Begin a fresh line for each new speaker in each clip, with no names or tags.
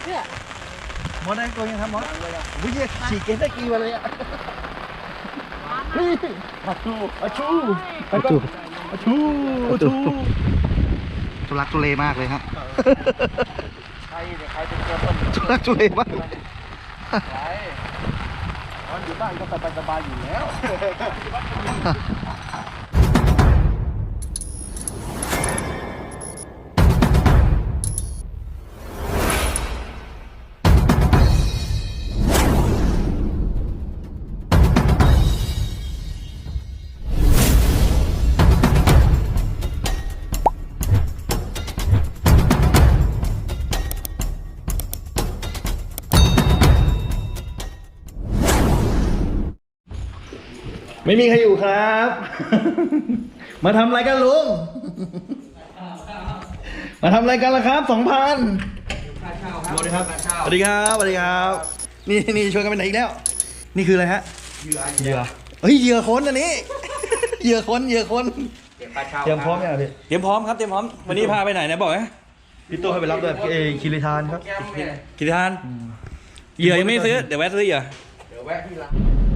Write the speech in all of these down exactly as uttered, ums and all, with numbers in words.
เนี่ย
มอสได้ตัวยังครับมอสวิ่งฉีกเกนได้กี่วันเลยอ่ะนี่อาชูอาชูอาชูอาชูอาชูทุลักทุเลมากเลยฮะใครเนี่ยใครเป็นตัวต้นทุลักทุเลมากใครตอนอยู่บ้านก็สบายสบายอยู่แล้วไม่มีใครอยู่ครับ มาทำอะไรกันลุง มาทำอะไรกันล่ะครับสองพันสวัสดีครับ สวัสดีครับ สวัสดีครับ นี่นี่ชวนกันไปไหนอีกแล้ว นี่คืออะไรฮะ เหยื่อเหยื่อเฮ้ยเหยื่อคนอันนี้ เหยื่อคนเหยื่อคนเตรียมพร้อมยังพี่เตรียมพร้อมครับ เตรียมพร้อม วันนี้พาไปไหนนะบอกไหมพี่โต้ให้ไปรับด้วยเอคิริทานครับคิริทาน เหยื่อยังไม่ซื้อ เดี๋ยวแวะซื้อเหยื่อเดี๋ยวแวะที่ร้าน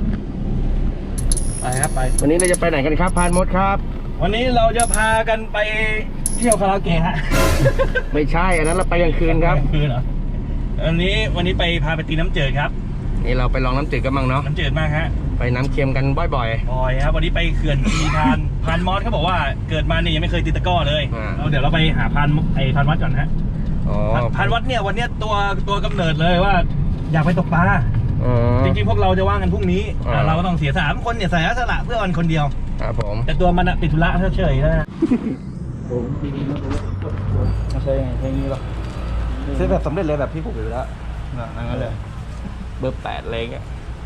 ไปครับไปวันนี้เราจะไปไหนกันครับพานมดครับวันนี้เราจะพากันไปเที่ยวคาราโอเกะฮะ ไม่ใช่อันนั้นเราไปกลางคืนครับคืนเหรอวันนี้วันนี้ไปพาไปตีน้ำจืดครับนี่เราไปลองน้ำจืดกันบ้างเนาะน้ำจืดมากฮะไปน้ำเค็มกันบ่อยๆบ่อยครับวันนี้ไปเขื่อนทีพานพานมอสเขาบอกว่าเกิดมาเนี่ยยังไม่เคยตีตะก้อเลยเราเดี๋ยวเราไปหาพานไอพานวัดก่อนฮะพานวัดเนี่ยวันนี้ตัวตัวกำเนิดเลยว่าอยากไปตกปลาจริงๆพวกเราจะว่างกันพรุ่งนี้เราก็ต้องเสียสามคนเนี่ยเสียสละเพื่อวันคนเดียวครับผมแต่ตัวมันติดธุระเฉยๆนะผมทีนี้ไม่ใช่ไงใช่งี้หรอซื้อแบบสำเร็จเลยแบบพี่ผูกอยู่แล้วนั่นเลยเบอร์แปดเลยอ่ะ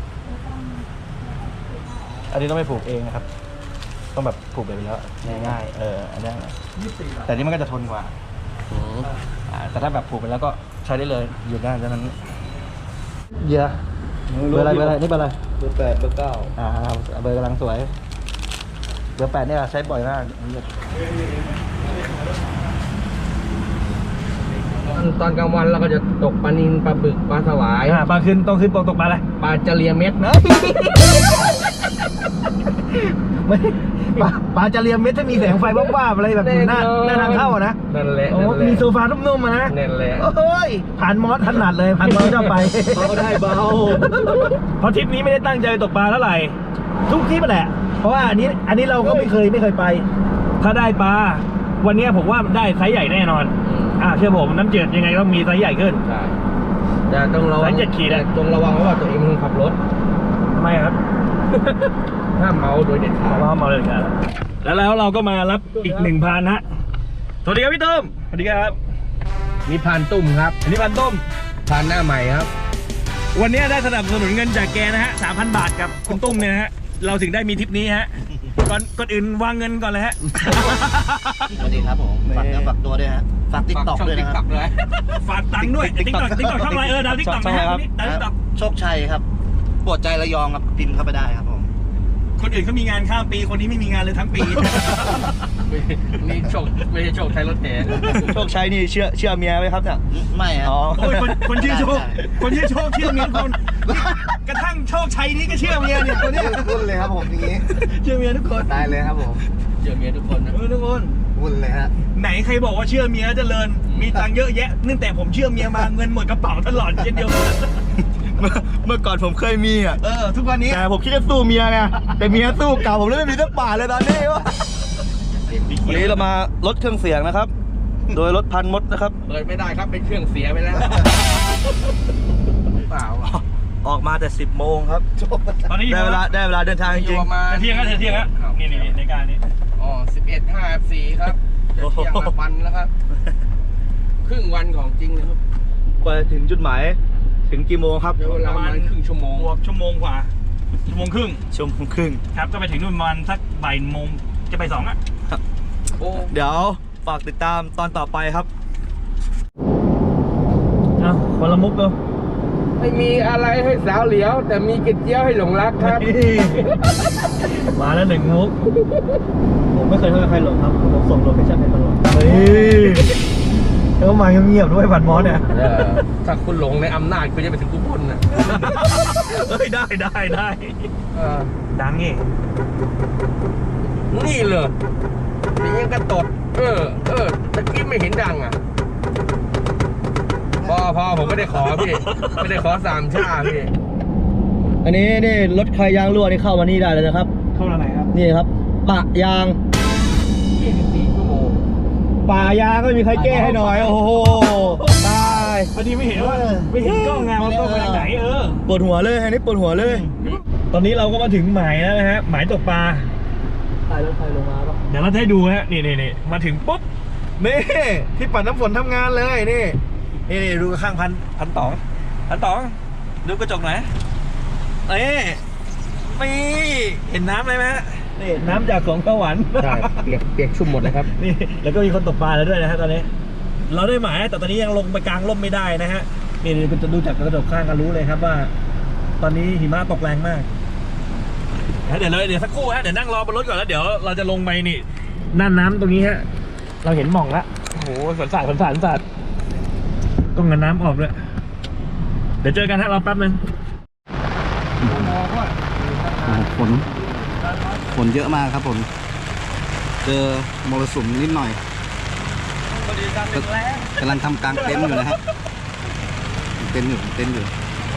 อันนี้ต้องไปผูกเองนะครับต้องแบบผูกไปแล้วง่ายๆเอออันนี้แต่นี่มันก็จะทนกว่าแต่ถ้าแบบผูกไปแล้วก็ใช้ได้เลยหยุดได้ดังนั้นเยอะเบอร์อะไรเบอร์อะไรนี่เบอร์อะไรเบอร์แปดเบอร์เก้าอ่าเบอร์กำลังสวยเบอร์แปดเนี่ยใช้บ่อยมากตอนกลางวันเราก็จะตกปลานิลปลาบึกปลาสวายอ่าปลาขึ้นต้องขึ้นตกตกปลาอะไรปลาจะเลียเม็ดนะไม่ปลาปลาจะเลียเม็ดถ้ามีแสงไฟบ้าๆอะไรแบบหน้าหน้าทางเข้านะนั่นแหละโอ้มีโซฟานุ่มๆนะนั่นแหละโอ้ยผ่านมอสถนัดเลยผ่านมอสชอบไปเบาได้เบาเพราะทริปนี้ไม่ได้ตั้งใจตกปลาเท่าไหร่ทุกทริปแหละเพราะว่าอันนี้อันนี้เราก็ไม่เคยไม่เคยไปถ้าได้ปลาวันนี้ผมว่าได้ไซส์ใหญ่แน่นอนอ่าเชื่อผมน้ำจืดยังไงต้องมีไซส์ใหญ่ขึ้นใช่แต่ต้องระวังไซส์เจ็ดขีดนะต้องระวังว่าตัวเองมันขับรถทำไมครับห้ามเมาโดยเด็ดขาดห้ามเมาเลยครับแล้วแล้วเราก็มารับอีกหนึ่งพานฮะสวัสดีครับพี่ตุ้มสวัสดีครับนี่พานตุ้มครับอันนี้พานตุ้มพานหน้าใหม่ครับวันนี้ได้สนับสนุนเงินจากแกนะฮะสามพันบาทกับคุณตุ้มเนี่ยนะฮะเราถึงได้มีทริปนี้ฮะก่อนก่อนอื่นวางเงินก่อนเลยฮะสวัสดีครับผมฝากเนื้อฝากตัวด้วยฮะฝากติ๊กต็อกด้วยนะครับฝากตังค์ด้วยติ๊กต็อกติ๊กต็อกช่องอะไรเออดาวติ๊กต็อกนะครับโชคชัยครับปวดใจระยองครับพิมพ์เข้าไปได้ครับผมคนอื่นเขามีงานข้ามปีคนนี้ไม่มีงานเลยทั้งปีนี่โชคไม่ใช่โชคชัยรถแห่โชคชัยนี่เชื่อเชื่อเมียไหมครับเนี่ยไม่ครับโอ้ยคนคนชื่อโชคคนชื่อโชคเชื่อเมียคนกระทั่งโชคชัยนี่ก็เชื่อเมียเนี่ยคนนี้วุ่นเลยครับผมอย่างนี้เชื่อเมียทุกคนตายเลยครับผมเชื่อเมียทุกคนนะทุกคนวุ่นเลยฮะไหนใครบอกว่าเชื่อเมียเจริญมีตังค์เยอะแยะนื่องแต่ผมเชื่อเมียมาเงินหมดกระเป๋าตลอดเช่นเดียวกันเมื่อก่อนผมเคยมีอ่ะเออทุกวันนี้แต่ผมคิดจะสู้เมียไงแต่เมียสู้เก่าผมเลยไม่มีสักบาทเลยตอนนี้วะวันนี้เรามาลดเครื่องเสียงนะครับโดยรถพันมดนะครับเปิดไม่ได้ครับเป็นเครื่องเสียไปแล้วเปล่าออกมาแต่สิบโมงครับตอนนี้ได้เวลาได้เวลาเดินทางจริงๆเที่ยงแล้วเที่ยงแล้วนี่นี่ในการนี้อ๋อสิบเอ็ดห้าสี่ครับจะเที่ยงละวันแล้วครับครึ่งวันของจริงนะครับกว่าถึงจุดหมายถึงกี่โมงครับประมาณครึ่งชั่วโมงชั่วโมงกว่าชั่วโมงครึ่งชั่วโมงครึ่งครับก็ไปถึงประมาณสักบ่ายโมงจะไปสองอ่ะเดี๋ยวฝากติดตามตอนต่อไปครับเอาคนละมุกเลยไม่มีอะไรให้สาวเหลียวแต่มีกระเจี๊ยวให้หลงรักครับมาแล้วหนึ่งมุกผมไม่เคยให้ใครหลงครับผมส่งโลเคชั่นให้ตลอดเฮ้ยแล้วมาเงียบๆด้วยพันมอสเนี่ย
ถ้าคุณหลงในอำนาจคุณจะไปถึงกุบลน่ะ
เฮ้ยได้ได้ได้ดังนี่
นี่เลยนี่ยังกระตดเออเออตะกี้ไม่เห็นดังอ่ะพอพอผมไม่ได้ขอพี่ไม่ได้ขอสามชาพี่
อันนี้นี่รถใครยางรั่วนี่เข้ามานี่ได้เลยนะครับเข้ามาไหนครับนี่ครับปะยาง
ยี่สิบสี่ชั่วโมง
ปะยางก็มีใครแก้ให้หน่อยโอ้โหตาย
พอดีไม่เห็นว่าไม่เห็นกล้องไงว่ากล้องไปทางไหนเออ
ปวดหัวเลยอันนี้ปวดหัวเลยตอนนี้เราก็มาถึงหมายแล้วนะฮะหมายตกปลาถ่ายรถไฟลงมาปะเดี๋ยวเราให้ดูฮะนี่นี่นี่มาถึงปุ๊บนี่ที่ปัดน้ำฝนทำงานเลยนี่นี่นี่ดูข้างพันพันตองพันตองดูกระจกหน่อยเอ๊ะไม่เห็นน้ำเลยไหมฮะนี่น้ำจากสวนข้าวหวาน
ใช่เปียกเปียกชุ่มหมดเลยครับ
นี่แล้วก็มีคนตกปลาแล้วด้วยนะฮะตอนนี้เราได้หมายแต่ตอนนี้ยังลงไปกลางร่มไม่ได้นะฮะนี่คุณจะดูจากกระจกข้างก็รู้เลยครับว่าตอนนี้หิมะตกแรงมากเดี๋ยวเลยเดี๋ยวสักครู่ฮะเดี๋ยวนั่งรอบนรถก่อนแล้วเดี๋ยวเราจะลงไปนี่น่านน้ำตรงนี้ฮะเราเห็นหม่องละโอ้โหสวนสัตว์สวนสัตว์สวนสัตว์ต้องเงินน้ำออกเลยเดี๋ยวเจอกันฮะรอแป๊บนึง
ฝนฝนเยอะมากครับผมเจอมรสุมนิดหน่อยกำลังทำกลางเต็นท์อยู่นะครับเต็นท์อยู่เต็นท์อยู่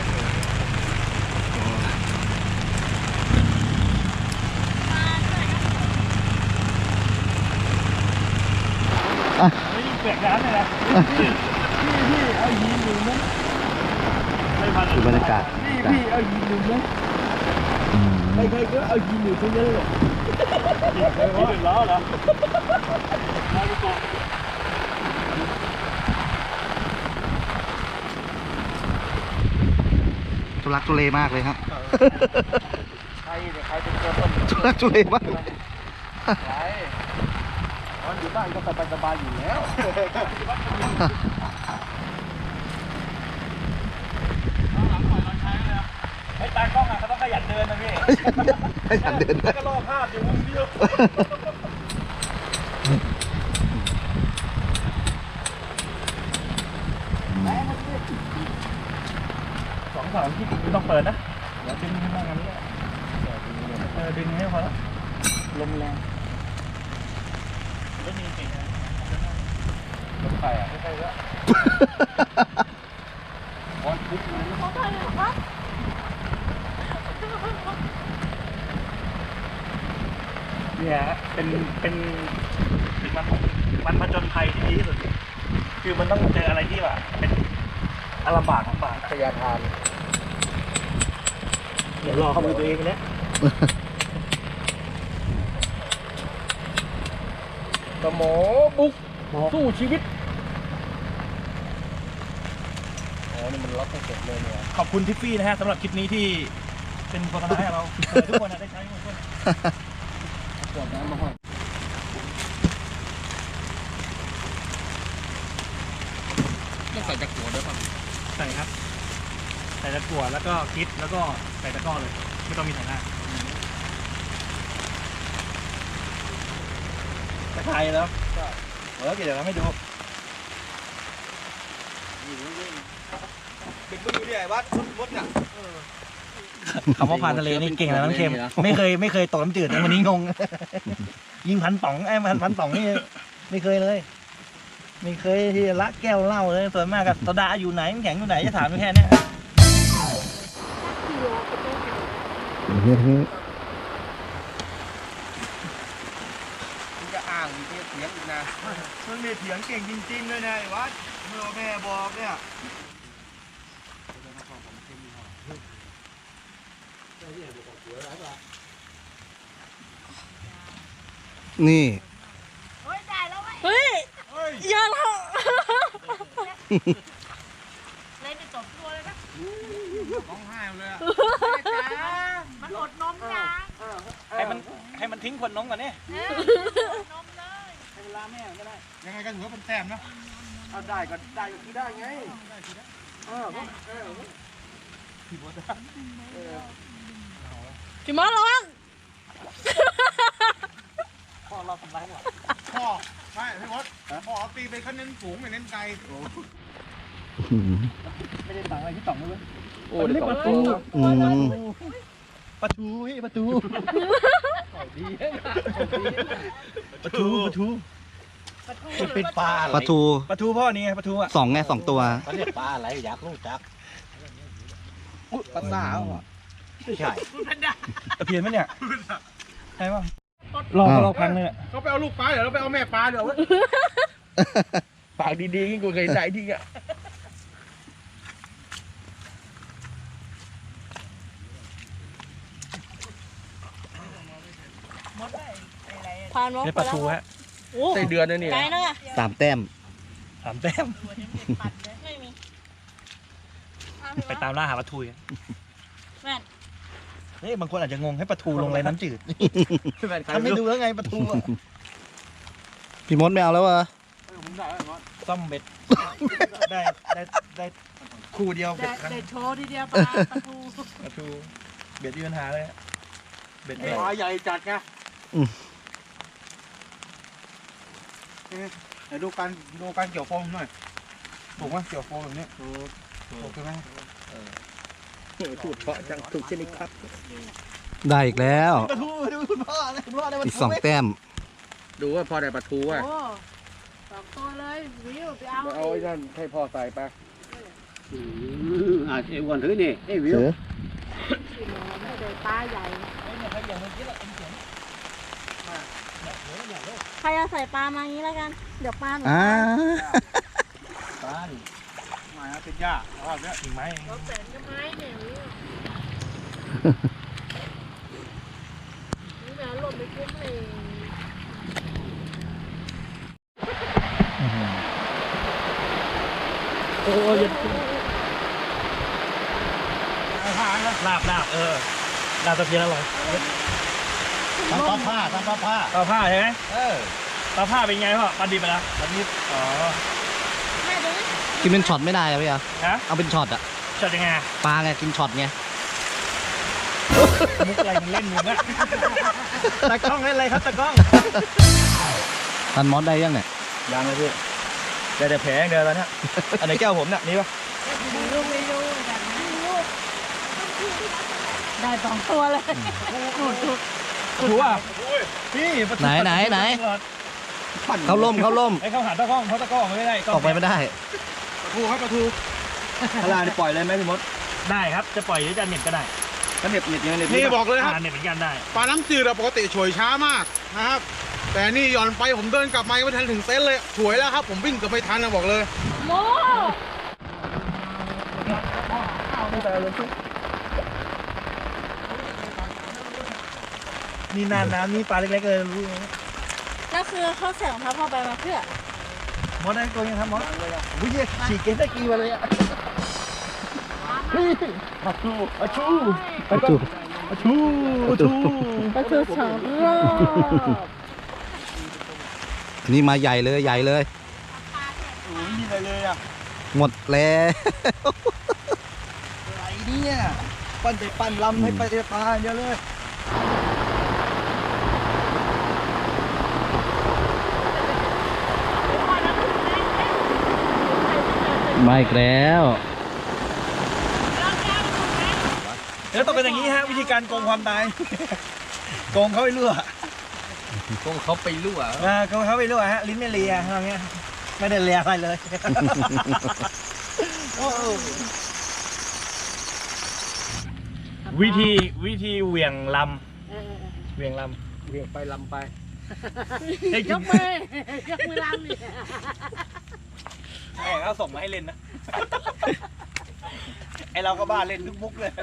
เปียกน้ำเลยนะพี่พี่เอาหินหนึ่งมั้ง
ดูบรรยากาศ
พี่พี่เอาหินหนึ่งมั้งใครๆก็เอาหินหนึ่งทั้งนั้นเลยหินหนึ่งล้อเหรอ
ทุลักทุเลมากเลยครับ
ใครเนี่ยใครเป็นตัวต้น
ทุลักทุเลมาก
ใช่ตอนอยู่บ้านก็สบายๆอยู่แล้วไอ้ตากล้องอ่ะเขาต้องขยันเดินนะพี่
ขยันเดิน
ก็รอภาพอยู่มุมเดียวสองสามที่ไม่ต้องเปิดนะเดี๋ยวดึงขึ้นมากันนี้เออดึงให้พอแล้วลมแรงรถนี้เก่งนะรถไฟอ่ะไม่ใช่ก็บอลปุ๊บเลยนะเนี่ยเป็นเป็นเป็นมันมันผจญภัยที่ดีที่สุดคือมันต้องเจออะไรที่แบบเป็นอารมณ์บากของป่า
พยาทาน
เดี๋ยวรอเข้ามือตัวเองเนี่ย
สมอบุกสู้ชีวิตอ๋อนี่มันล็อกให้เสร็จเลยเนี่ย
ขอบคุณทิฟฟี่นะฮะสำหรับคลิปนี้ที่เป็นโฆษณาให้เราทุกคนได้ใช้ทุกคน
ขวดน้ำมาห้อยต้องใส่ตะกั่วด้วยป่ะ
ใส่ครับใส่ตะกั่วแล้วก็กิ๊บแล้วก็ใส่ตะกร้อเลยไม่ต้องมีถ่ายหน้าตะไคร้แล้วเออเดี๋ยวเราไม่ดู
เป็นตัวอยู่ที่ไหนวัดมดเนี่ย
คำว่าผ่านทะเลนี่เก่งนะน้ำเค็มไม่เคยไม่เคยตกน้ำจืดนะวันนี้งงยิงพันป๋องไอ้พันพันป๋องนี่ไม่เคยเลยไม่เคยที่ละแก้วเหล้าเลยส่วนมากกับโซดาอยู่ไหนแข็งอยู่ไหนจะถามแค่นี้
มึงจะอ่างมึงจะเถียงอีกนะ
มึงเนี่ยเถียงเก่งจริงๆเลยนะไอ้วัดเมื่อแม่บอกเนี่ย
นี่
เฮ้ยได้แล้วเฮ้ยเยอะแล้วเลยไปจบตัวเลยนะ
ร้องไห้เลยอ่ะ
มันอดนมนะ
ให้มันให้มันทิ้งคนน้องก่อนนี่
นมเลย
ให้เวลาแม่ก็ได้ยังไงก็ถือว่าเป็นแต้มนะเอาได้ก็ได้ก็คือได้ไงเออเออพี่บอส
พี่มอสร้อง
พ่อเราทำร้ายหรอพ่อ
ไม่พี่มดพอตีไปเขาเน้นสูงไม่เน้นไกล
ไม่ได้ตังอะไรที่ต่องเลย
โอ้ได้สองตัว
อืม
ประตูเฮ้ยประตูประตูประตูเป็นปลา
ปลาทู
ประตูพ่อนี่ไงประตูอ่ะ
สองไงสองตัว
เขาเรียกปลาอะไรอยากรู้จัก
ปลาสาวอ่ะ
ไม่ใช่ตะเพียนไหมเนี่ยใช่ป่ะรอรอพังเลยอ่ะ
เขาไปเอาลูกปลาเดี๋ยวเราไปเอาแม่ปลาเดี๋ยว
ปากดีๆกูเคยได้ที่อ่ะ
ผ่านมอง
นี่
ไป
ประ
แล้ว
ตูฮะ
โอ้
ใส่เดือนนะเนี่ย
ไกลนะอ่ะ
สามแต้ม
สามแต้ม
ไม่มี
ไปตามล่าหาประตูกัน
แม่น
เฮ้ยบางคนอาจจะงงให้ประตูลงอะไรน้ำจืด
แฟนใคร
ทำ
ไม่
ไม่
รู้
ดูแล้วไงประตูอะ
พี่มดไม่เอาแล้ววะ
ซ่อมเบ็ดได้ได้ได้คู่เดียวเบ็ดครั้ง
เด็ดโชว์ทีเดียวปลาประตู
ประตูเบ็ดมีปัญหาเลยเบ็ด
ปลาใหญ่จัดไงเดี๋ยวดูการดูการเกี่ยวโฟมหน่อยถูกไหมเกี่ยวโฟมแบบนี้ถูกใช่ไหม
ถูกเพาะจังถูกชนิดครับ
ได้อีกแล้ว
ประตูดูคุณพ่อเลยคุณพ่อได้ประ
อีก
ตู
สองแต้ม
ดูว่าพอได้ปลาทูอ่ะ
โอ้สองตัวเลยวิวไปเอา
เอาไอ้นั่นให้พ่อใส่ไป
อ่าเอวันถือนี่เอ้ยวิว
เสือ
ไม่ได้ปลาใหญ่ใครจะใส่ปลามาอย่างนี้แล้วกัน เดี๋ยวปลาหนู
อ่า
ปลาดิ
มาเป็นหญ้าเอาแบบนี้
กิ่งไม้
เราแสนก็ไม้เนี่ยวิวนี่นะหล่นไปคุ้มเลย
โอ้ยลาบลาบเออลาบตะเพียนอร่อย
ทำปลาผ้าทำปลาผ้า
ปลาผ้าใช่ไหม
เออ
ปลาผ้าเป็นไงพ่อปลาดิบไปแล้วปลาดิบอ๋อ
แม่ดูนี่
กินเป็นช็อตไม่ได้อะพี่อะ
ฮะ
เอาเป็นช็อตอะ
ช็อตยังไง
ปลาไงกินช็อตไง
มุกอะไรมึงเล่นมึงอะตะกล้องเล่นอะไรครับตะกล้อง
ทันมอสได้ยังเนี่ย
ยังเลยพี่เดี๋ยวเดี๋ยวแผลอย่างเดียวแล้วเนี่ยอันไหนแก้วผมเนี่ยนี่ปะ
ไม่ดูไม่ดูแบบนั้นลูกได้สองตัวเลยหมดทุก
ถูกป่ะพี่ประตู
ไหนไหนไหน เขาล่มเขาล่ม
ไอ้เขาหาตะกล้องเพราะตะกล้องไม่ได้
ออกไปไม่ได้
ปลาทูครับปลาทู
พลานี่ปล่อยเลยไหมพี่มดได้ครับจะปล่อยหรือจะเน็ตก็ได้
ก็เน็บเน็บยังเน็บ
นี่บอกเลยครับ
อ่าเน็ตเหมือนกันได้
ปลาน้ำจืดอะปกติฉวยช้ามากนะครับ แต่นี่หย่อนไปผมเดินกลับมายังไม่ทันถึงเต็นท์เลยฉวยแล้วครับ ผมวิ่งเกือบไม่ทันนะบอกเลย
โม
นี่นานน้ำนี่ปลาเล็กๆเลยรู้ไหม
แล้วคือเขาใส่รองเท้าผ้าใบมาเพื่อ
มดได้ตัวยังครับมดวิ่งฉีกเกนตะกี้มาเลยอ่ะปลาทูปลาทู
ปลาทู
ปลาทูปลาทู
ก็คือสองรอบ
นี่มาใหญ่เลยใหญ่เลย
โอ้ยมีอะไรเลยอ่ะ
หมดแล้ว
อะไรเนี่ยปั้นใจปั้นลำให้ไปเตะปลาเยอะเลย
มาอีกแล้ว
แล้วต้องเป็นอย่างนี้ฮะวิธีการโกงความตายโกงเขาไปรั่ว
คงเขาไปรั่ว
อ่าโกงเขาไปรั่วฮะลิ้นไม่เลียอะไรเงี้ยไม่ได้เลียอะไรเลยวิธีวิธีเหวี่ยงลำเหวี่ยงลำ
เวียงไปลำไป
ยกมือยกมือลำนี่
แม่เขาส่งมาให้เล่นนะ ไอเราก็บ้าเล่นทุกมุกเลย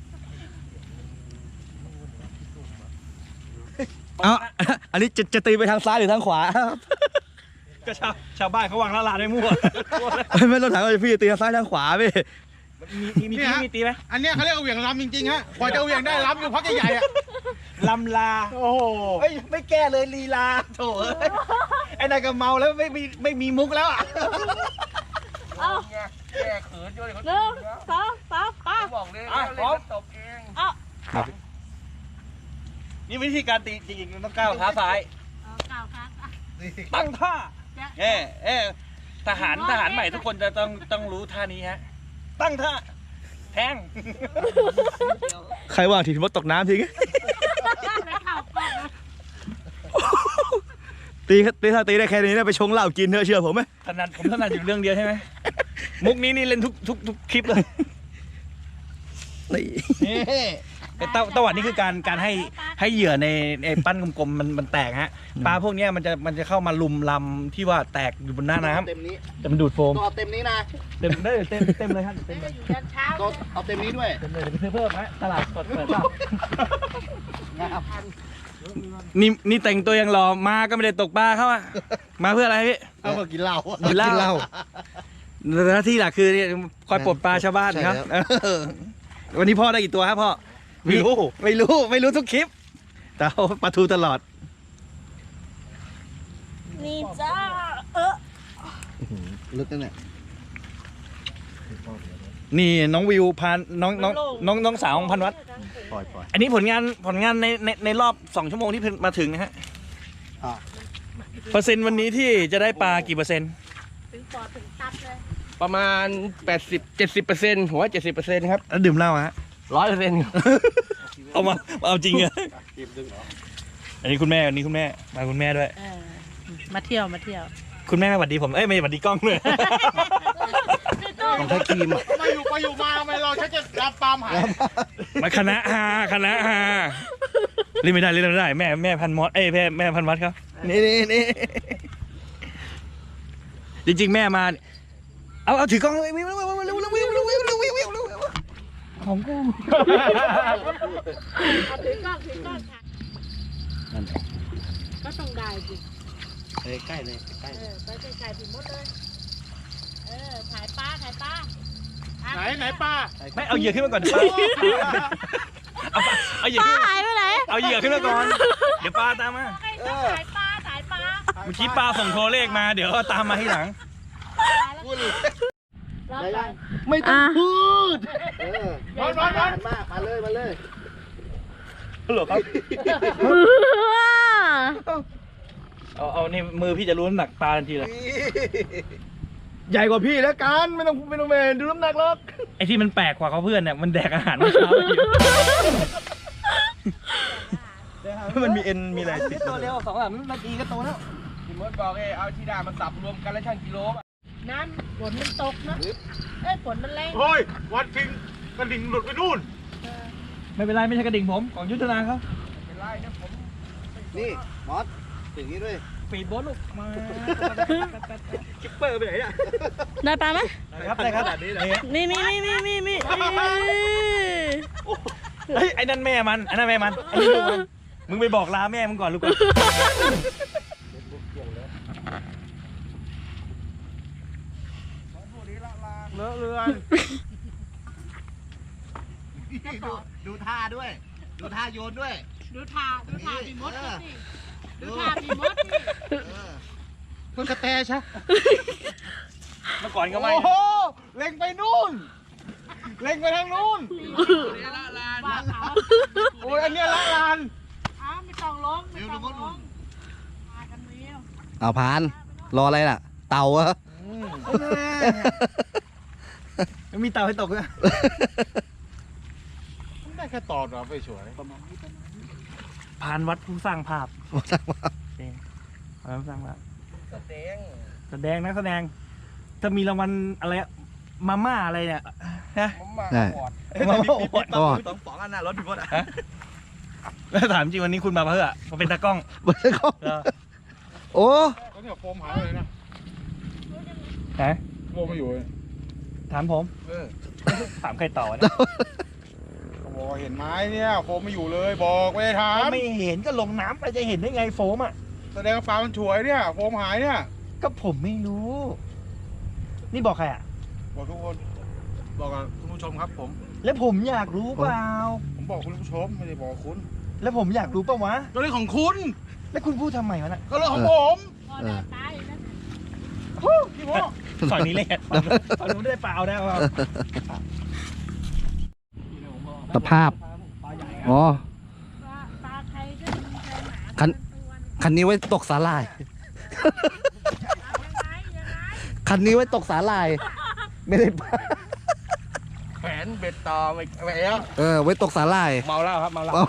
เอ้าอันนี้จะจะตีไปทางซ้ายหรือทางขวา
ก็ชาวชาวบ้านเขาวางละลานไม่มั่ว
ไม่ต้องถามว่าพี่ตีทางซ้ายทางขวาพี่
มีมีมีตีมีตีไหม
อันเนี้ยเขาเรียกว่าเหวี่ยงลำจริงๆฮะกว่าจะเหวี่ยงได้ลำอยู่พักใหญ่ๆอะ
ลำลา
โอ้โห
เฮ้ยไม่แก้เลยลีลาโถเอ้ยไอ้นายก็เมาแล้วไม่มีไม่มีมุกแล้วอ่ะ
เอา
แก้เขินด้วย
หนึ่งสองสามปา
บอกเลย
อ่ะพร้อม
ตบเอง
เอา
นี่วิธีการตีจริงๆมันต้องก้าวเท้าซ้าย
เอาเก่าครับ
ตั้งท่าเอ๊เอ๊ทหารทหารใหม่ทุกคนจะต้องต้องรู้ท่านี้ฮะตั้งท่าแทง
ใครว่าทีมดตกน้ำทิ้งตีตีถ้าตีได้แค่นี้นะไปชงเหล้ากินเถอะเชื่อผมไหม
ถนัดผมถนัดอยู่เรื่องเดียวใช่ไหมมุกนี้นี่เล่นทุกทุกทุกคลิปเลย
นี่
แต่ตะตะวัดนี่คือการการให้ให้เหยื่อในในปั้นกลมๆมันมันแตกฮะปลาพวกเนี้ยมันจะมันจะเข้ามาลุมลำที่ว่าแตกอยู่บนหน้าน้ำ
เต็มนี้
แต่มันดูดโฟม
ต้องเอาเต็มนี้นะ
เต็มได้เต็มเต็มเลยครับเต็มเลย
อยู่ยันเช้า
ต้องเอาเต็มนี้ด้วย
เต็มเลยเดี๋ยวไปซื้อเพิ่มฮะตลาดสดเปิดเปล่า
งาม
นี่นี่แต่งตัวยังรอมาก็ไม่ได้ตกปลาเขาอะมาเพื่ออะไรพี่
เอามากินเหล้า
กินเหล้าหน้าที่หลักคือเนี่ยคอยปลดปลาชาวบ้านครับ
ใช่ครับ
เออวันนี้พ่อได้กี่ตัวครับพ่อ
ไม่รู้
ไม่รู้ไม่รู้ทุกคลิป แต่เอาปลาทูตลอด
นี่จ้าเออ
ลึกนั่นแหละ
นี่น้องวิวพานน้องน้องน้องน้องสาวของพันวัด
ปล่อยปล่อย
อันนี้ผลงานผลงานในในในรอบสองชั่วโมงที่มาถึงนะฮะ
อ่ะ
เปอร์เซ็นต์วันนี้ที่จะได้ปลากี่เปอร์เซ็นต์
ถึงปอดถึงตับเลย
ประมาณแปดสิบเจ็ดสิบเปอร์เซ็นต์หัวเจ็ดสิบเปอร์เซ็นต์ครับ
แล้วดื่มเหล้าฮะ
ร้อยเปอร์เซ็นต์
เอามาเอาจริงเหรออันนี้คุณแม่อันนี้คุณแม่มาคุณแม่ด้วย
เออมาเที่ยวมาเที่ยว
คุณแม่ไม่หวัดดีผมเอ้ยไม่หวัดดีกล้องเลย
ของไทยครีมอ่ะ
มาอยู่ไปอยู่มาทำไมเราชักจะรับปาล์มหาย
มาคณะฮาคณะฮาเล่นไม่ได้เล่นไม่ได้แม่แม่พันมอสเอ้ยแม่แม่พันวัดเขานี่นี่นี่จริงๆแม่มาเอาเอาถือกล้องเลยวิววิววิววิววิววิววิววิววิววิววิวของกู
เอาถือกล้องถือกล้องค่ะก็ต้องได้สิ
ใกล้เลยใกล้
เออไปไกลๆถึงหมดเลยเออถ่ายปลาถ่ายปลา
ไหนไหนป้า
ไม่เอาเหยื่อขึ้นมาก่อนปลาเอาปลาเอาเหยื่อ
ปลา
ขึ้น
หายไปไหน
เอาเหยื่อขึ้นมาก่อนเดี๋ยวปลาตามมา
ให้ถ่ายปลาถ่ายปลา
เมื่อกี้ปลาส่งโทรเลขมาเดี๋ยวตามมาที่หลัง
แล้วไป
ไม่ต้องพูด
นอนนอนนอน
มามาเลยมาเลย
ฮัลโหลครับเอาเอานี่มือพี่จะรู้น้ำหนักปลาทันทีเลย
ใหญ่กว่าพี่แล้วกันไม่ต้องไม่ต้องเมนดูน้ำหนักหรอก
ไอ้ที่มันแปลกกว่าเขาเพื่อนเนี่ยมันแดกอาหารเมื่อเช้าอยู่
มันมีเอ็นมีอะไรติด
ตัวเร็วสองสามนาทีก็โตแล้ว
พี่มดบอกเอ้เอาที่ดามาสับรวมกันแล้วช่างกิโล
น้ำฝนมันตกนะเอ้ยฝนมันแรง
เฮ้ยวัดทิ้งกระดิ่งหลุดไปนู่น
ไม่เป็นไรไม่ใช่กระดิ่งผมของยุทธนาเขา
เป็นไรนะผม
นี่มอสอย่างนี้ด้วย
ปีดโบ๊ทลูกมาคิปเปอร์ไปไหนอ่ะ
ได้ปลาไหม
ได้ครับได้ครับ
นี่นี่นี่นี่นี่นี่
เฮ้ยไอ้นั่นแม่มันไอ้นั่นแม่มันไอ้นี่ลูกมันมึงไปบอกลาแม่มึงก่อนลูกก่อน
เลอะเลือน
ดูดูท่าด้วย ดูท่าโยนด้วย
ดูท่าดูท่าพี่มดสิดูท่าพี่มดสิ
คุณกระแตใช่
เมื่อก่อนก็ไม่
โอ้โหเล็งไปนู่นเล็งไปทางนู่น
ว่าเขา
โอ้ยอันเนี้ยละลาน
อ้าวไม่ต้องลงไม่ต้องลงมากันเร็ว
เอาพาน รออะไรล่ะ เต่าเหรอ
ไม่มีเตาให้ตกเลย
ได้แค่ตอดเหรอไปสวย
ผ่านวัดผู้สร้างภาพเองผ่านวัดผู้สร้างภาพ
แสดง
แสดงนักแสดงถ้ามีรางวัลอะไรอะมาม่าอะไรเนี่ยนะ
ผมมา
ได้
ปอด
มาม่าอวด
ก็
สองป๋องอันน่ะรถพี่พดอ่ะ
แล้วถามจริงวันนี้คุณมาเพื่อมาเป็นตากล้อง
บนก็
เหรอ
โอ้
ก็เนี่ยโฟมหายไปเลยนะ
ไหน
โฟมไม่อยู่เลย
ถามผม
เออ
ถามใครต่อนะ
เขาบอกว่าเห็นไม้เนี่ยโฟมไม่อยู่เลยบอกไม่ได้ถาม
ไม่เห็นก็ลงน้ำไปจะเห็นได้ไงโฟมอ่ะ
แสดงว่าปลามันฉวยเนี่ยโฟมหายเนี่ย
ก็ผมไม่รู้ นี่บอกใครอ่ะ
บอกทุกคน บอกกับคุณผู้ชมครับผม
แล้วผมอยากรู้เปล่า
ผมบอกคุณผู้ชมไม่ได้บอกคุณ
แล้วผมอยากรู้เปล่าวะ
ก็เรื่องของคุณ
แล้วคุณพูดทำไมวะน่ะ
ก็เรื่องของผม
พอได้ตายนะ
พี่พ่อ
ฝั่งนี้เลยฝั่งนู้นได้เปล่าได้เปล่า
สภาพ อ๋อ
ปลาปลาใครก็มีใครหนา
คัน
ตัว
คันนี้ไว้ตกสาหร่ายคันนี้ไว้ตกสาหร่าย ไม่ได้ปลา
แขวนเบ็ดต่อไปไปแล้ว
เออไว้ตกสาหร่าย
เมาเหล้าครับเมาเหล้า
เอา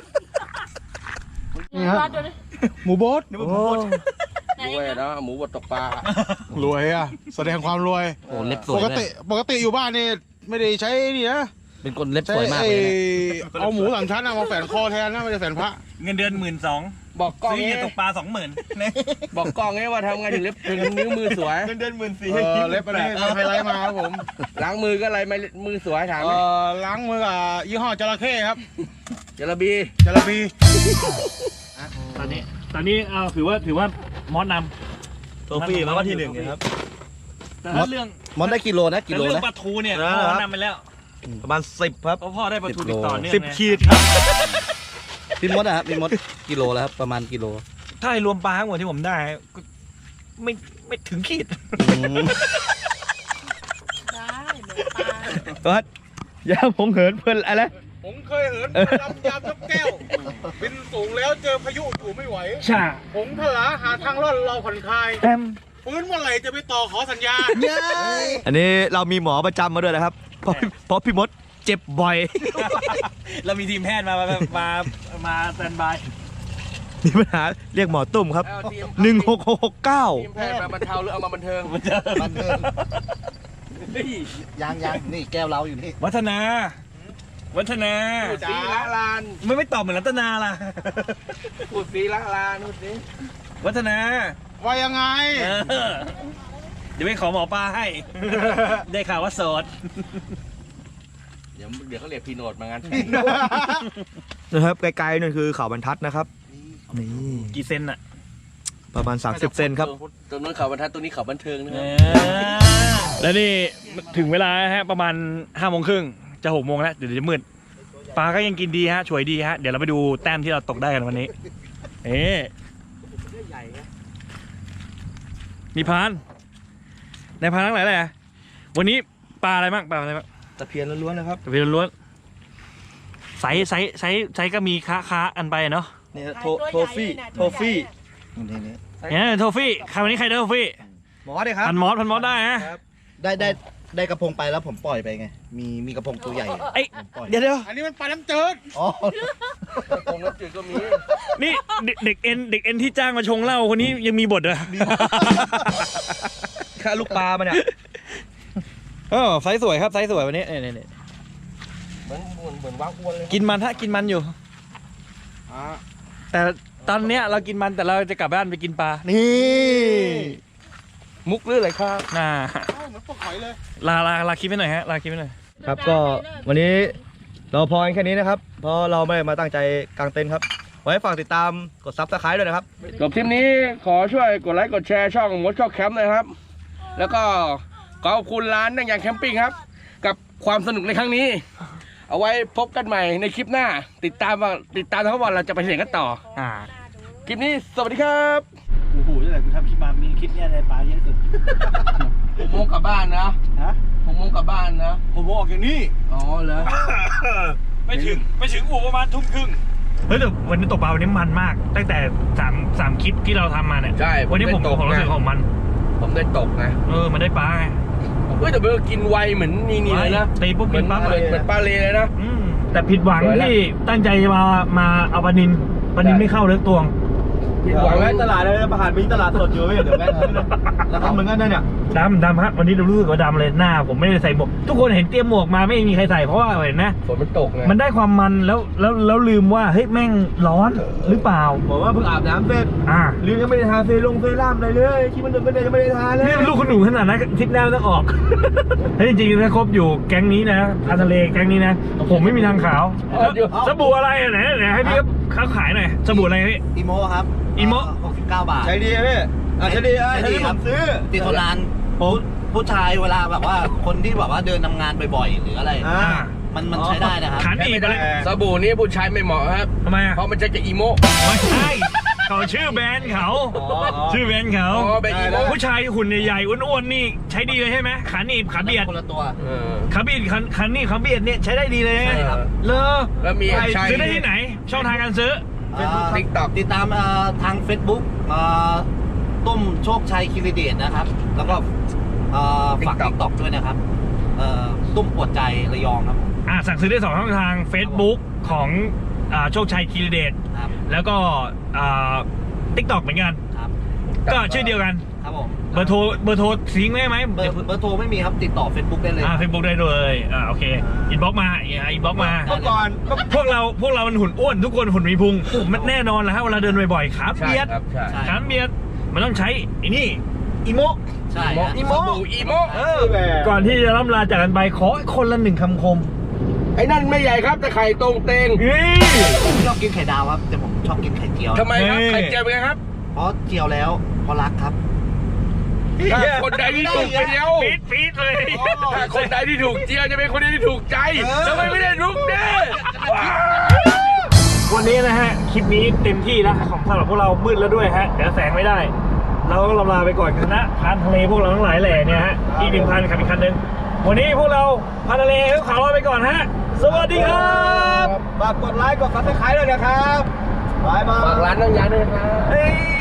นี่ฮะ
หมูโบ๊ท
โอ้
รวยนะหมูบดตกปลาร
วยอ่ะ แสดงความรวย
โหเล็บส
ป
วย
ก
เล
ติ
ย
ปกติอยู่บ้านนี่ไม่ได้ใช้นี่นะ
เป็นคนเล็บ
ใช้
สวยมาก
ไอ้
เลยนะ
เอาหมูสามชั้นอะมาแฝนคอแทนนะไม่ได้แฝนพระ
เงินเดือนหมื่นสอง
บอกกล้อง
ซื้อเห
นี้
ยื่อตกปลาสองหมื่น
บอกกล้องนี้ว่าทำไงถึงเล็บถึงนิ้วมือสวย
เงินเดือนหมื่นสี่
เออเล็บอันนี้ทำไฮไลท์มาครับผม
ล้างมือก็อะไรไม่มือสวยถาม
เออล้างมือกับยี่ห้อจระเข้ครับ
จระบี
จระบี
ตอนนี้ตอนนี้เอาถือว่าถือว่ามอสนำ
โทฟี่มาว่าที่หนึ่งนะครับ
แต่ถ้าเรื่อง
มอนได้กิโลนะกิ
แต่
โล
เรื่อง
นะ
ปลาทูเนี่ย
นะ
พ่อ
ครับ
นำไปแล้ว
ประมาณสิบครับ
เพราะพ่อได้ปลาทู
สิบ
ติด
โล
ต่อเนื่อง
สิบ
ไง
ขีดครับ
พี่มดอะครับพี่มดกิโลแล้วครับประมาณกิโล
ถ้าให้รวมปลาทั้งหมดที่ผมได้ก็ไม่ไม่ถึงขีด
อืม
ได้เหมือนปลา
วัดอย่าผมเหินเพลินอะไร
ผมเคยเหินลำยามยกแก้ว บินสูงแล้วเจอพายุอยู่ไม่ไหว
ชา
ผมทลาหาทางรอดเราผ่อนคลาย
แอม
ฟื้นเมื่อไหร่จะไปต่อขอสัญญา
อันนี้เรามีหมอประจำมาด้วยนะครับ เพราะเพราะพี่มดเจ็บบ่อย
เรามีทีมแพทย์มามามามาสแตนบาย
มีปัญหาเรียกหมอตุ้มครับ
เอาทีม
หนึ่งหกหกเก้า
ทีมแพทย์มาบรรเทาหรือเอามาบันเทิง
บันเทิงยังยังนี่แก้วเราอยู่นี่
วัฒนา วัฒนา
พูดสีละลาน
ไม่ไม่ตอบเหมือนรัตนาล่ะ
พูดสีละลานพูดสิ
วัฒนา
ว่ายังไง
เออเดี๋ยวไปขอหมอปลาให้ ได้ข่าวว่าโสด
เดี๋ยวเดี๋ยวเขาเรียกพีโนดมางาน
นะครับไกลๆนั่นคือเขาบรรทัดนะครับนี่
กี่เซนอะ
ประมาณ สามสิบ เซนครับ
ตรงนู้นเขาบรรทัดตรงนี้เขาบันเทิงนะค
เอ
รับ
อแล้วนี่ถึงเวลาฮะประมาณห้าโมงครึ่งจะหกโมงแล้วเดี๋ยวจะมืดปลาก็ยังกินดีฮะช่วยดีฮะเดี๋ยวเราไปดูแต้มที่เราตกได้กันวันนี้เอ๊ะมีพานในพานทั้งหลายแหละวันนี้ปลาอะไรบ้างปลาอะไรบ้าง
ตะเพียนล้วนๆนะครับ
ตะเพียนล้วนไซส์ไซส์ไซส์ไซส์ก็มีค้าค้ากันไปเนาะ
นี่โทโทฟี่โทฟี่
นี่นี่
เนี่ยโทฟี่ใครวันนี้ใครได้โทฟี่
หมอดิครับ
พันมอสพันมอสได้ฮะ
ได้ได้ได้กระพงไปแล้วผมปล่อยไปไง มีมีกระพงตัวใหญ่
เอ้ย
ผมปล่อย
เดี๋ยวเดี๋ยว
อันนี้มันปลาน้ำจืด
อ๋อ
ตรงน้ำจืดก็มี
นี่เด็กเด็กเอ็นเด็กเอ็นที่จ้างมาชงเหล้าคนนี้ยังมีบทเหรอ
ค่าลูกปลามาเนี่ยเออไซส์สวยครับไซส์สวยวันนี้เนี่ยเนี่ย
เหมือนเหมือนเหมือนว้าอ้วนเลย
กินมันฮะกินมันอยู่
อ่า
แต่ตอนเนี้ยเรากินมันแต่เราจะกลับบ้านไปกินปลา นี่มุกหรืออะไรครับ
น่า
เอ้าเหมือนปลาหอยเลย
ลาลาลาคลิปไว้หน่อยฮะลาคลิปไว้หน่อย
ครับก็วันนี้เราพอกันแค่นี้นะครับ เพราะเราไม่ได้มาตั้งใจกางเต็นท์ครับ ไว้ฝากติดตามกดซับสไครต์ด้วยนะครับ
จบคลิปนี้ขอช่วยกดไลค์กดแชร์ช่องมดชอบแคมป์เลยครับ แล้วก็ขอขอบคุณร้านนั่งยางแคมปิ้งครับ กับความสนุกในครั้งนี้ เอาไว้พบกันใหม่ในคลิปหน้า ติดตามว่าติดตามทั้งวันเราจะไปเห็นกันต่อ
อ่า
คลิปนี้สวัสดีครับ
โอ้โหตั้งแต่กูทำคลิปมามีคลิปเนี้ยในปลาเยอะสุด
ผมโมงกลับบ้านนะ
ฮะ
ผมโมงกลับบ้านนะ
ผมบอกอย่างนี้
อ๋อเหรอ
ไม่ถึงไม่ถึงอู่ประมาณทุ่มครึ่งเฮ้ยแต่วันนี้ตกปลาวันนี้มันมาก ตั้งแต่สามสามคลิปที่เราทำมาเนี่ย
ใช่
วันนี้ผม
ได้ตก
ผมรู้สึก
ไง
ของมัน
ผมได้ตกนะ
เออมันได้ปลาไง
เฮ้ยแต่เบอร์กินไวเหมือนนี่นี่เลยนะ
ตีปุ๊บ
เหมื
กิ
อน
นปั๊บ
เห
เล
มือน
ย
เหมือนปลาเลเลยนะ
อืมแต่ผิดหวัง
สวยละ
ที่ตั้งใจจะมามาเอาปลานินปลานินไม่เข้าเลือกตวง
ผิดหวัง
แวะตลาดเลยประหารมีตลาดสดอยู่เว้ยเดี๋ยวแวะแล้วทำเหมือนกันนะเนี่ย
ดำดำครับวันนี้เรารู้สึกว่าดำเลยหน้า ผมไม่ได้ใส่หมวกทุกคนเห็นเตรียมหมวกมาไม่มีใครใส่เพราะว่าเห็นนะ
ฝนมันตกไง
มันได้ความมันแล้วแล้วแล้วลืมว่าเฮ้ยแม่งร้อนหรือเปล่า
บอกว่าเพิ่งอาบน้ำเสร็จ
อ่า
ลืมยังไม่ได้ทาเซรุ่งเซรั่มอะไรเลยคิดมันเดินไม่ได้ยังไม่ได้ทาเลย
นี่ลูกคุณหนูขนาดนั้นทริปหน้าต้องออก เฮ้ยจริงๆถ้าครบอยู่แก๊งนี้นะอาทะเลแก๊งนี้นะผมไม่มีทางขาวสบู่อะไรอ่ะไหนไหนให้พี่เขาขายหน่อยสบู่อะไรพี่
อีโมครับ
อีโม
หกสิบเก้าบาท
ใช้ดีไหมพี่อ่ะใช้ดีอ่ะ
ใช้
ใช้
ดี
ดี
ค
ผ
รับ
มซื้อ
ติดทนนานผู้ผู้ชายเวลาแบบว่า คนที่แบบว่าเดินทำงานบ่อยๆ หรืออะไร
อ่า
มันมันใช้ได้นะครับ
ขันอีกไปเลย
สบู่นี้ผู้ชายไม่เหมาะครับ
ทำไมอ่ะ
เพราะมันจะจะอีโม
ไม่ใช่เขาชื่อแบรนด์เขา
อ๋ออ๋อ
ชื่อแบรนด์เขา
อ๋อเป็นอีโม
ผู้ชายหุ่นใหญ่ๆอ้วนๆนี่ใช้ดีเลยใช่ไหมขาหนีบขาเบียด
คนละตัว
เออ
ขาเบียดขาขาหนีบขาเบียดเนี่ยใช้ได้ดีเลย
ใช่ครับ
เลอ
แล้วมี
ไป
ใช่
ซื้อได้ที่ไหน ช่องทางการซื้อ
Facebook TikTok
ติดตามเอ่อทาง Facebook เอ่อตุ้มโชคชัยคิริเดชนะครับ แล้วก็เอ่อฝากติ๊กต็อกด้วยนะครับเอ่อตุ้มปวดใจระยองครับ
อ่าสั่งซื้อได้สองช่องทาง Facebook ของอ่าโชคชัยคีรีเดช
ครับ
แล้วก็อ่าทิกตอกเหมือนกัน
ครับ
ก็ชื่อเดียวกัน
ครับผม
เบอร์โทรเบอร์โทรซิงค์ได้ไหม
เบอร์เบอร์โทรไม่มีครับติดต่อ Facebook ได้เลย
อ่าเฟซบุ๊กได้เลยอ่าโอเคอินบ็อกมาอินบ็อกมา
เมื่อก่อน
พวกเราพวกเรามันหุ่นอ้วนทุกคนหุ่นมีพุงมันแน่นอนแหละฮะเวลาเดินบ่อยๆขา
ใช่
เบียด
ครับใช่
ใช่
ขาเบียดมันต้องใช้ไอ้นี่อีโม
ใช่ฮะ
อีโมอีโม
เออก่อนที่จะล่ำลาจากกันไปขอคนละหนึ่งคำคม
ไอ้นั่นไม่ใหญ่ครับแต่ไข่ตรงเตง
เฮ้ย
ผมชอบกินไข่ดาวครับแต่ผมชอบกินไข่เจียว
ทำไมครับ
เฮ้ย
ไข่เจียวเป็นไงครับ
เพราะเจียวแล้วเพราะรักครับ
ถ้าคนใดที่ถูกเจียว
ปี๊ดปี๊ดเลย
ถ้าคนใดที่ถูกเจียวจะเป็นคนที่ถูกใจทำไมไม่ได้ลุกเด้
วันนี้นะฮะคลิปนี้เต็มที่แล้วของสำหรับพวกเรามืดแล้วด้วยฮะเดี๋ยวแสงไม่ได้ เราก็ลำลาไปก่อนคณะพานทะเลพวกเราทั้งหลายแหล่เนี่ยฮะอีกหนึ่งพันขับอีกคันหนึ่งวันนี้พวกเราพานทะเลขาวลาไปก่อนฮะสวัสดีครับ
ฝากกดไลค์กดซับสไครต์ด้วยนะครับบายบาย
ฝากร้านน้องยาด้วยนะครับ
เฮ้ย